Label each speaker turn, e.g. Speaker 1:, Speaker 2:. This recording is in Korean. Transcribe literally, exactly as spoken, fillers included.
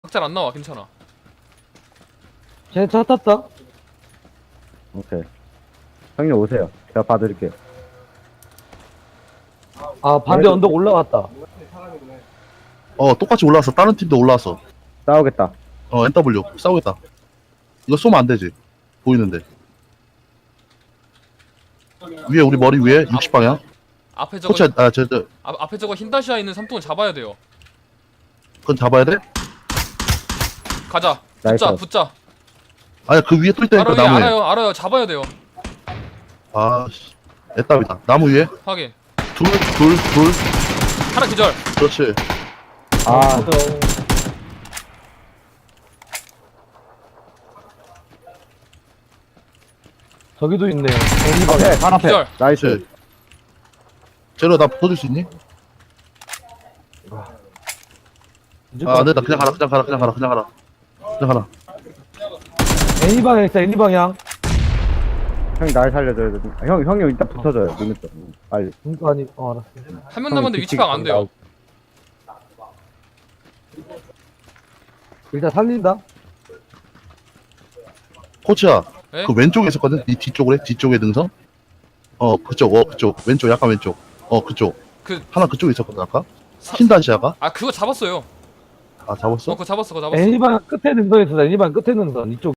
Speaker 1: 잘 안 나와. 괜찮아.
Speaker 2: 쟤네 차 탔다.
Speaker 3: 오케이. 형님 오세요. 제가 봐드릴게요.
Speaker 2: 아 반대 언덕 올라갔다.
Speaker 4: 어 똑같이 올라왔어. 다른 팀도 올라왔어.
Speaker 3: 싸우겠다.
Speaker 4: 어 엔더블유 싸우겠다. 이거 쏘면 안 되지. 보이는데. 위에 우리 머리 위에 육십 방향.
Speaker 1: 앞에 저거
Speaker 4: 코치 아저 저
Speaker 1: 앞, 앞에 저거 흰 다시아 있는 삼뚱은 잡아야 돼요.
Speaker 4: 그건 잡아야 돼?
Speaker 1: 가자.
Speaker 3: 나이스.
Speaker 1: 붙자. 붙자.
Speaker 4: 아니야 그 위에 또 있다니까
Speaker 1: 알아요.
Speaker 4: 나무에.
Speaker 1: 알아요. 알아요. 잡아야 돼요.
Speaker 4: 아씨. 애답이다. 나무 위에
Speaker 1: 하긴.
Speaker 4: 둘 둘 둘.
Speaker 1: 하나 기절.
Speaker 4: 그렇지.
Speaker 3: 아,
Speaker 2: 저기도 있네요.
Speaker 3: 앞에, 반 앞에.
Speaker 1: 기절.
Speaker 3: 나이스.
Speaker 4: 그렇지. 제로 나 붙어줄 수 있니? 아 안된다. 그냥 가라. 그냥 가라. 그냥 가라. 그냥 가라. 그냥 가라.
Speaker 2: 애니 방향 있다. 애니 방향.
Speaker 3: 형이 날 살려줘야 돼. 아, 형, 형이 일단 붙어줘요. 눈에 떠. 빨리.
Speaker 2: 그러니까 아니. 어 알았어.
Speaker 1: 한 명 남았는데 위치 파악 안 돼요.
Speaker 2: 일단 살린다.
Speaker 4: 코치야.
Speaker 1: 네?
Speaker 4: 그 왼쪽에 있었거든. 이 뒤쪽으로 해. 뒤쪽에 능선. 어 그쪽. 어 그쪽. 왼쪽. 약간 왼쪽. 어 그쪽.
Speaker 1: 그
Speaker 4: 하나 그쪽에 있었거든 아까.
Speaker 1: 사-
Speaker 4: 흰다시아가.
Speaker 1: 아 그거 잡았어요.
Speaker 4: 아
Speaker 1: 어
Speaker 4: 잡았어?
Speaker 1: 그거 잡았어. 그거 잡았어.
Speaker 2: 애니 방향 끝에 능선 있어. 애니 방향 끝에 능선 이쪽.